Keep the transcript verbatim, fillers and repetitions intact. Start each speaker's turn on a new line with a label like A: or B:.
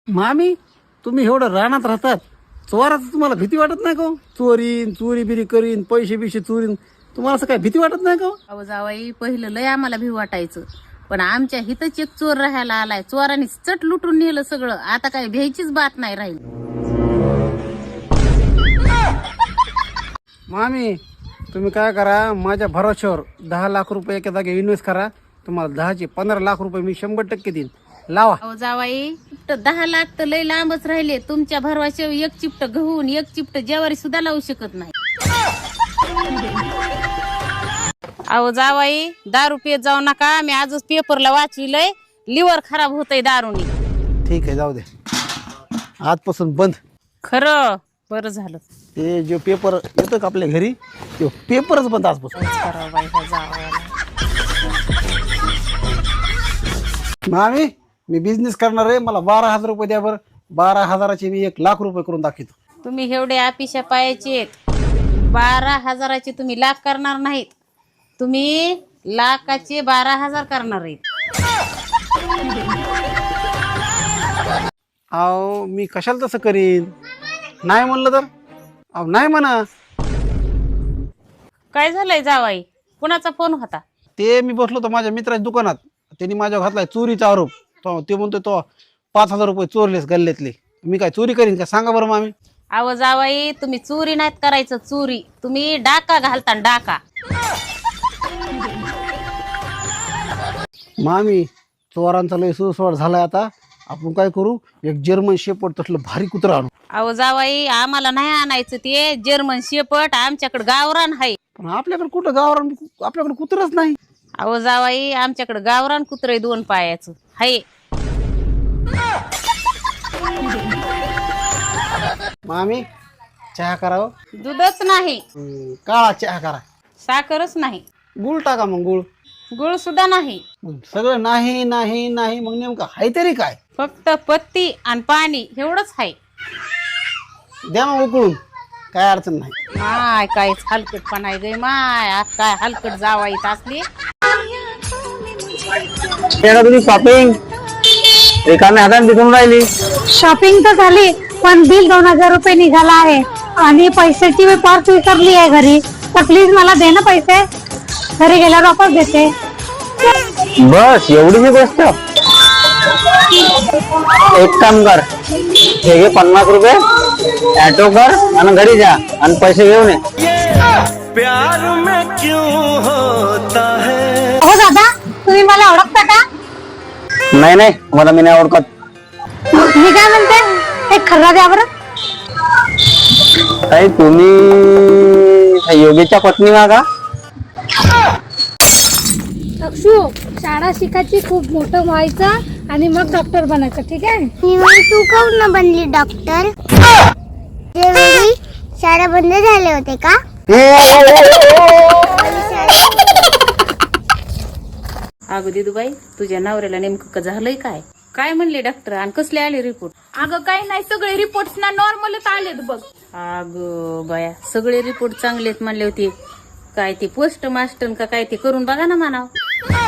A: मामी तुम्ही एवढं रानात राहतात, चोराचं तुम्हाला भीती वाटत नाही का हो? चोरीन चोरी बिरी करीन, पैसे बिशे चोरीन, तुम्हाला असं काय भीती वाटत नाही का हो?
B: अहो जावाई, पहिलं लय आम्हाला भी वाटायचं, पण आमच्या हितच एक चोर राहायला आलाय, चोरांनी चट लुटून नेलं सगळं. आता काय भ्यायचीच बात नाही राहील.
A: मामी तुम्ही काय करा, माझ्या भरोश्यावर दहा लाख रुपये एका जागी इन्व्हेस्ट करा. तुम्हाला दहाचे पंधरा लाख रुपये मी शंभर टक्के देईन. लावा.
B: अहो जावाई, चिपट दहा लाख तर लय लांबच राहिले. तुमच्या भरवाशावर एक चिपट गहून एक चिपट ज्वारी सुद्धा लावू शकत नाही. अहो जावाई, दारू पियत जाऊ नका. मी आजच पेपरला वाचविलंय, लिव्हर खराब होतंय दारूनी.
A: ठीक आहे, जाऊ दे, आजपासून बंद.
B: खरं बरं झालं.
A: ते जो पेपर येतो का आपल्या घरी, तो पेपरच बंद आजपासून.
B: करावं बाई ह्या जावयाला.
A: मामी मी बिझनेस करणार आहे, मला बारा हजार रुपये द्या बरं. बारा हजाराचे मी एक लाख रुपये करून दाखवतो.
B: तुम्ही एवढे आपिशा पायाचे, बारा हजाराचे तुम्ही लाख करणार नाहीत, तुम्ही लाखाचे बारा हजार करणार आहेत.
A: अहो मी कशाला तसं करीन, नाही म्हणलं तर अहो नाही म्हणा.
B: काय झालंय जावाई, कुणाचा फोन होता?
A: ते मी बसलो होतो माझ्या मित्राच्या दुकानात, त्यांनी माझ्यावर घातलाय चोरीचा आरोप. तो ते म्हणतो तो पाच हजार रुपये चोरलेस गल्ल्यातले. मी काय चोरी करीन का, सांगा बरं मामी.
B: अहो जावाई, तुम्ही चोरी नाहीत करायचं, चोरी तुम्ही डाका घालता, डाका.
A: मामी चोरांचा लय सुसवाड झालाय, आता आपण काय करू, एक जर्मन शेपर्ड तसलं भारी कुत्रा आणू.
B: अहो जावाई, आम्हाला नाही आणायचं ते जर्मन शेपट, आमच्याकडे गावरान आहे.
A: पण आपल्याकडे कुठं गावरान, आपल्याकडे कुत्रच नाही.
B: अहो जावाई, आमच्याकडे गावरान कुत्र दोन पायाचं हाय.
A: मामी चहा करावं.
B: दूधच नाही,
A: हम्म, काळा चहा करा.
B: साखरच नाही,
A: गुळ टाका मग, गुळ.
B: गुळ सुद्धा नाही.
A: मग सगळं नाही नाही नाही, मग नेमकं हाय तरी काय?
B: फक्त पत्ती आणि पाणी एवढंच आहे.
A: द्या मग उकळून, काय अडचण नाही.
B: माय काय हलकटपणा आहे गे माय, आज काय हलकट जावाईत असली.
A: तुम्ही शॉपिंग एकाने हाताने दिसून राहिली.
C: शॉपिंग तर झाली, पण बिल दोन हजार रुपये निघाला आहे आणि पैशाची मी पर्स विसरली आहे घरी. तर प्लीज मला दे ना पैसे, घरी गेल्यावर वापस देते.
A: बस एवढी गोष्ट. एक काम कर, हे घे पन्नास रुपये, ऑटो कर आणि घरी जा आणि पैसे घेऊन ये.
D: प्यार में क्यों होता है.
C: हो दादा, तुम्ही मला ओळखता का?
A: नाही नाही, मला मी नाही ओळखत.
C: मी काय म्हणते, एक खर्रा द्या बरं.
A: ताई तुम्ही योगीच्या पत्नी व्हा का?
C: अक्षू, शाळा शिकायची, खूप मोठं व्हायचं आणि मग डॉक्टर बनायचं, ठीक आहे?
E: तू काऊन न बनली डॉक्टर? त्यावेळी शाळा बंद झाले होते का?
B: अगं दिदूबाई, तुझ्या नवऱ्याला नेमकं झालंय काय? काय म्हणले डॉक्टर आणि कसले आले रिपोर्ट?
F: अगं काही नाही, सगळे रिपोर्ट ना नॉर्मलच आलेत बघ.
B: अगं बाया, सगळे रिपोर्ट चांगलेत म्हणले होते. काय ते पोस्ट मास्टर का काय ते करून बघा ना म्हणावं.